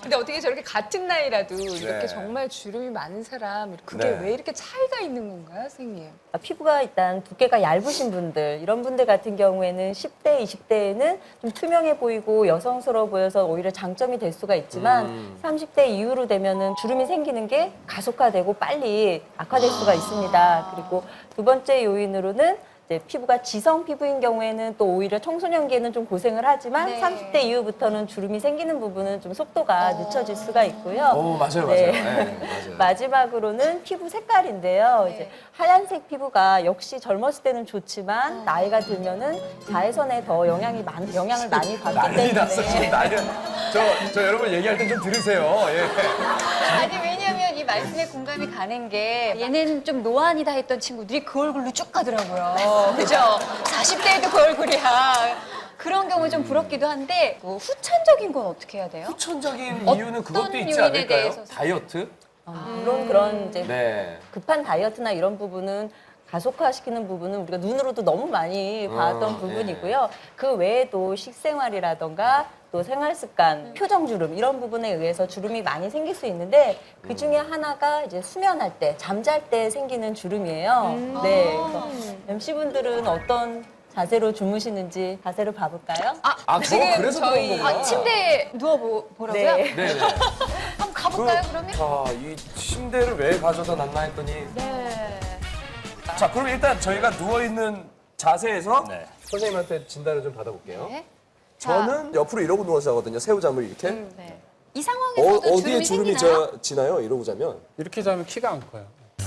근데 어떻게 저렇게 같은 나이라도 이렇게 네. 정말 주름이 많은 사람 그게 네. 왜 이렇게 차이가 있는 건가요, 선생님? 피부가 일단 두께가 얇으신 분들, 이런 분들 같은 경우에는 10대, 20대에는 좀 투명해 보이고 여성스러워 보여서 오히려 장점이 될 수가 있지만 30대 이후로 되면은 주름이 생기는 게 가속화되고 빨리 악화될 수가 있습니다. 그리고 두 번째 요인으로는 이제 피부가 지성 피부인 경우에는 또 오히려 청소년기에는 좀 고생을 하지만 네. 30대 이후부터는 주름이 생기는 부분은 좀 속도가 늦춰질 수가 있고요. 맞아요, 네. 네, 맞아요. 마지막으로는 피부 색깔인데요. 이제 하얀색 피부가 역시 젊었을 때는 좋지만 나이가 들면은 자외선에 더 영향을 많이 받기 난리 났어, 지금 때문에 난리 저 여러분 얘기할 때 좀 들으세요. 예. 아니 왜냐면 이 말씀에 공감이 가는 게 얘는 좀 노안이다 했던 친구들이 그 얼굴로 쭉 가더라고요. 그죠? 40대에도 그 얼굴이야. 그런 경우 좀 부럽기도 한데 뭐 후천적인 건 어떻게 해야 돼요? 후천적인 어떤 이유는 그것도 있지 요인에 않을까요? 대해서 다이어트? 물론 그런 이제 네. 급한 다이어트나 이런 부분은 가속화시키는 부분은 우리가 눈으로도 너무 많이 봤던 부분이고요. 그 외에도 식생활이라던가 또 생활습관, 표정주름 이런 부분에 의해서 주름이 많이 생길 수 있는데 그 중에 하나가 이제 수면할 때, 잠잘 때 생기는 주름이에요. 네, 그래서 MC분들은 어떤 자세로 주무시는지 자세를 봐볼까요? 그래서 저희- 그런 거구나. 침대에 누워보라고요? 네. 네네. 한번 가볼까요 그러면? 자, 이 침대를 왜 가져다 놨나 했더니. 네. 자, 그럼 일단 저희가 누워있는 자세에서 네. 선생님한테 진단을 좀 받아볼게요. 네. 저는 옆으로 이러고 누워서 자거든요. 새우잠을 이렇게. 네. 이 상황에서도 어디에 주름이 생기나요? 지나요? 이러고 자면. 이렇게 자면 키가 안 커요.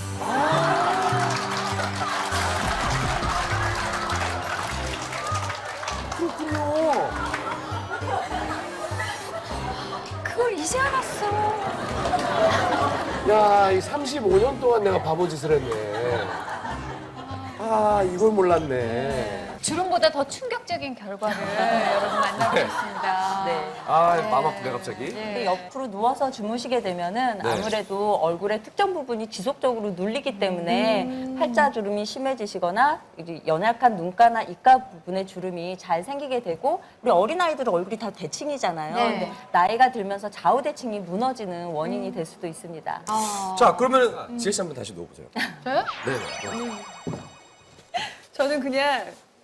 그걸 이제 알았어. 야, 이 35년 동안 내가 바보짓을 했네. 아, 이걸 몰랐네. 주름보다 더 충격적인 결과를 여러분 만나고 있습니다. 네. 아, 마음 아프네, 갑자기. 근데 옆으로 누워서 주무시게 되면은 아무래도 얼굴의 특정 부분이 지속적으로 눌리기 때문에 팔자주름이 심해지시거나 이제 연약한 눈가나 입가 부분의 주름이 잘 생기게 되고 우리 어린아이들은 얼굴이 다 대칭이잖아요. 네. 근데 나이가 들면서 좌우 대칭이 무너지는 원인이 될 수도 있습니다. 자, 그러면 지혜 씨 한번 다시 누워보세요. 저요? 네. 저는 그냥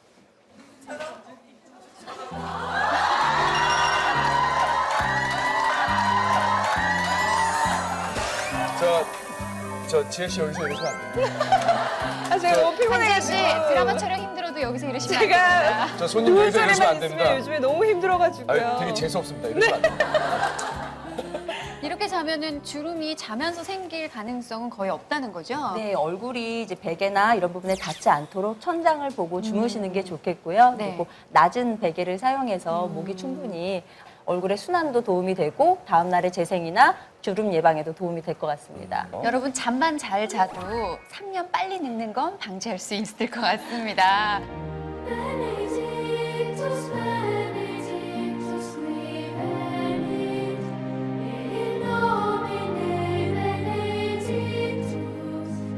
저 지혜 씨 여기서 이러시면 안 돼요. 제가 너무 한재 피곤해가지고 씨 드라마 촬영 힘들어도 여기서 이러시면 안 제가 됩니다. 저 손님 여기서 이러시면 소리만 안 있으면 됩니다. 요즘에 너무 힘들어가지고요. 아유, 되게 재수없습니다. 이러시면 안 돼요. 이렇게 자면은 주름이 자면서 생길 가능성은 거의 없다는 거죠? 네, 얼굴이 이제 베개나 이런 부분에 닿지 않도록 천장을 보고 주무시는 게 좋겠고요. 네. 그리고 낮은 베개를 사용해서 목이 충분히 얼굴의 순환도 도움이 되고 다음 날의 재생이나 주름 예방에도 도움이 될 것 같습니다. 여러분 잠만 잘 자도 3년 빨리 늙는 건 방지할 수 있을 것 같습니다. Amazing.